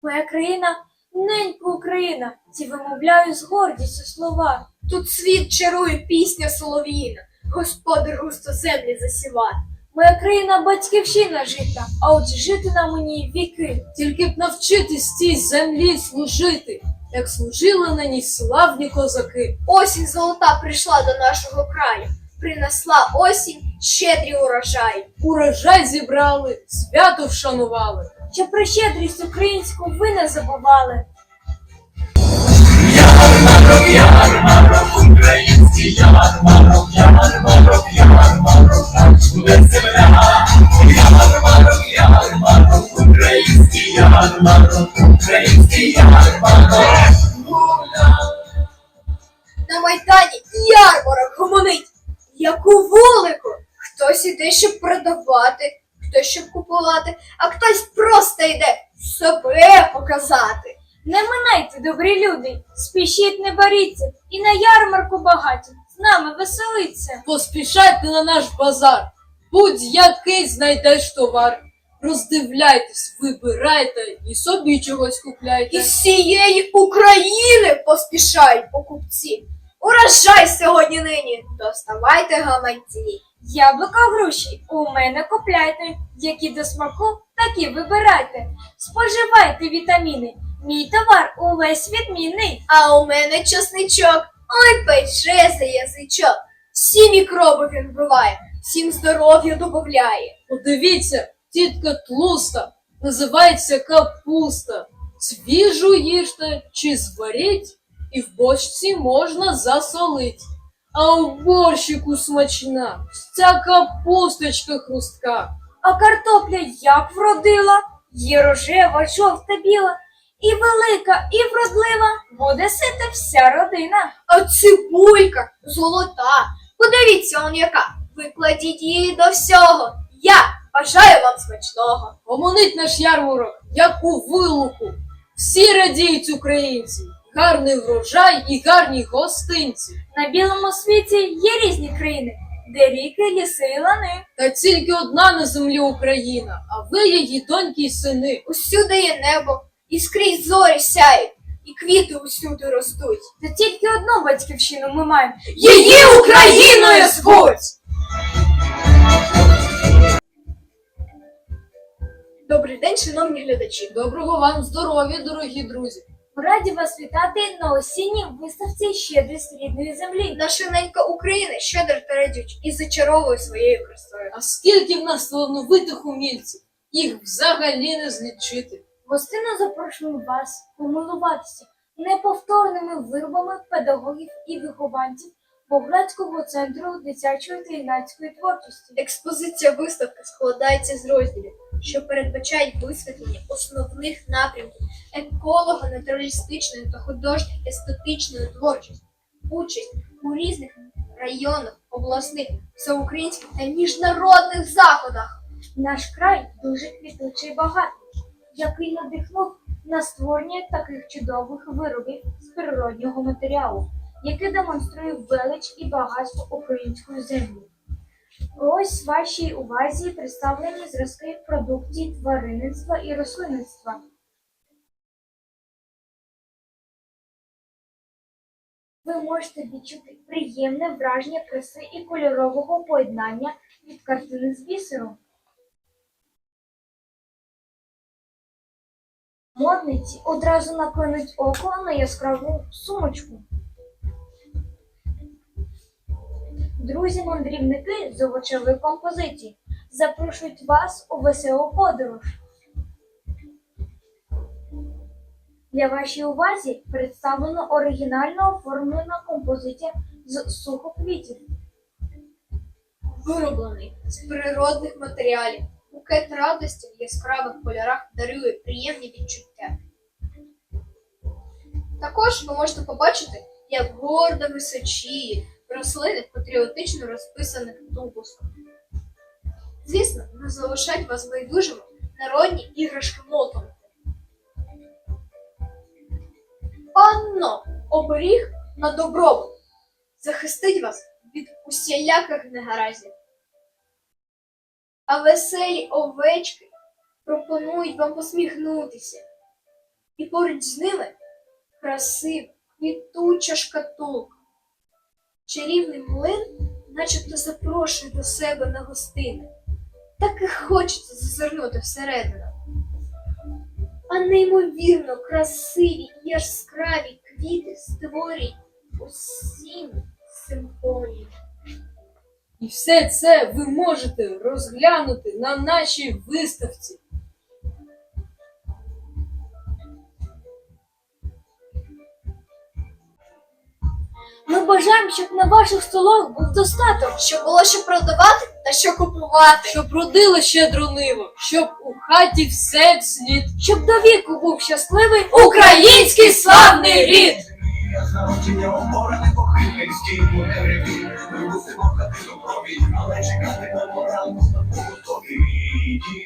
Моя країна, ненька Україна, ці вимовляю з гордістю слова. Тут світ чарує пісня солов'їна, господар густо землі засіває. Моя країна батьківщина жита, а отже жити нам у ній віки. Тільки б навчитись цій землі служити, як служили на ній славні козаки. Осінь золота прийшла до нашого краю, принесла осінь щедрі урожаї. Урожай зібрали, свято вшанували. Що про щедрість українську ви не забували. Ярмарок, ярмарок, український ярмарок, ярмарок, ярмарок, наш буде земля. Ярмарок, ярмарок, український ярмарок, український ярмарок. На Майдані ярмарок гомонить, як у вулику. Хтось іде, щоб продавати, хтось, щоб купувати, а хтось просто йде себе показати. Не минайте, добрі люди, спішіть, не боріться, і на ярмарку багаті з нами веселиться. Поспішайте на наш базар, будь-який знайдеш товар. Роздивляйтесь, вибирайте і собі чогось купляйте. Із всієї України поспішають покупці. Урожай сьогодні нині, доставайте гаманці. Яблука, груші у мене купляйте, які до смаку, такі вибирайте. Споживайте вітаміни, мій товар увесь відмінний. А у мене чесничок, ой, пече за язичок. Всі мікроби він вбиває, всім здоров'я добавляє. Подивіться, тітка тлуста, називається капуста. Свіжу їжте чи зваріть, і в бочці можна засолить. А в борщику смачна, ця капусточка хрустка. А картопля як вродила, є рожева, жовта, біла, і велика, і вродлива, буде сита вся родина. А цибулька золота, подивіться он яка, викладіть її до всього. Я бажаю вам смачного. Гомонить наш ярмарок, як у вилуку. Всі радіють українці, гарний врожай і гарні гостинці. На білому світі є різні країни, де ріки, ліси і лани. Та тільки одна на землі Україна, а ви її доньки й сини. Усюди є небо, і скрізь зорі сяють, і квіти усюди ростуть. Та тільки одну батьківщину ми маємо. Її Україною звуть! Добрий день, шановні глядачі. Доброго вам здоров'я, дорогі друзі. Ми раді вас вітати на осінній виставці «Щедрість рідної землі». Наша ненька Україна щедро та радюча і зачаровує своєю красою. А скільки в нас талановитих умільців, їх взагалі не злічити. Гостинно запрошуємо вас помилуватися неповторними виробами педагогів і вихованців Болградського центру дитячої та юнацької творчості. Експозиція виставки складається з розділів, що передбачають висвітлення основних напрямків еколого-натуралістичної та художньо-естетичної творчості, участь у різних районах, обласних, всеукраїнських та міжнародних заходах. Наш край дуже квітучий і багатий, який надихнув на створення таких чудових виробів з природнього матеріалу, який демонструє велич і багатство української землі. Ось вашій увазі представлені зразки продукції тваринництва і рослинництва. Ви можете відчути приємне враження краси і кольорового поєднання від картини з бісером. Модниці одразу наклинуть око на яскраву сумочку. Друзі-мандрівники з овочевої композиції запрошують вас у веселу подорож. Для вашій увазі представлено оригінально оформлена композиція з сухоквітів. Вироблений з природних матеріалів, букет радості в яскравих кольорах дарує приємні відчуття. Також ви можете побачити, як гордо височіє рослини патріотично розписаних тубусках. Звісно, не залишать вас байдужими народні іграшки молотом. Панно, оберіг на добробут захистить вас від усіляких негараздів. А веселі овечки пропонують вам посміхнутися. І поруч з ними красива, квітуча шкатулка. Чарівний млин начебто запрошує до себе на гостини. Так і хочеться зазирнути всередину. А неймовірно красиві і яскраві квіти створюють осінню симфонію. І все це ви можете розглянути на нашій виставці. Ми бажаємо, щоб на ваших столах був достаток. Щоб було що продавати та що купувати. Щоб родило щедро ниво, щоб у хаті все вслід. Щоб до віку був щасливий Український славний рід! Народження оборене похилинський мудреві. Ми мусимо хати до крові, але чекати на ранку на готові.